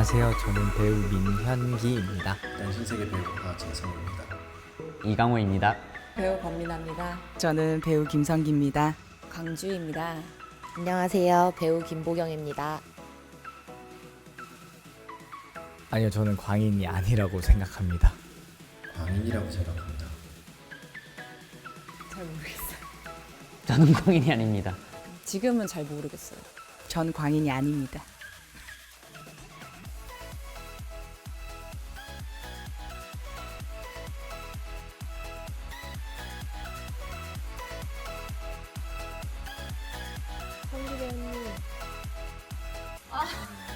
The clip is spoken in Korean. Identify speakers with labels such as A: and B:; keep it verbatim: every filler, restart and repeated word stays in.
A: 안녕하세요. 저는 배우 민현기입니다.
B: 일단 신세계 배우 하진성입니다.
C: 이강호입니다.
D: 배우 권민아입니다.
E: 저는 배우 김성기입니다.
F: 강주입니다. 안녕하세요. 배우 김보경입니다.
A: 아니요, 저는 광인이 아니라고 생각합니다.
B: 광인이라고 생각합니다.
D: 잘 모르겠어요.
C: 저는 광인이 아닙니다.
D: 지금은 잘 모르겠어요.
E: 전 광인이 아닙니다.
F: 성기 배우님.
D: 아.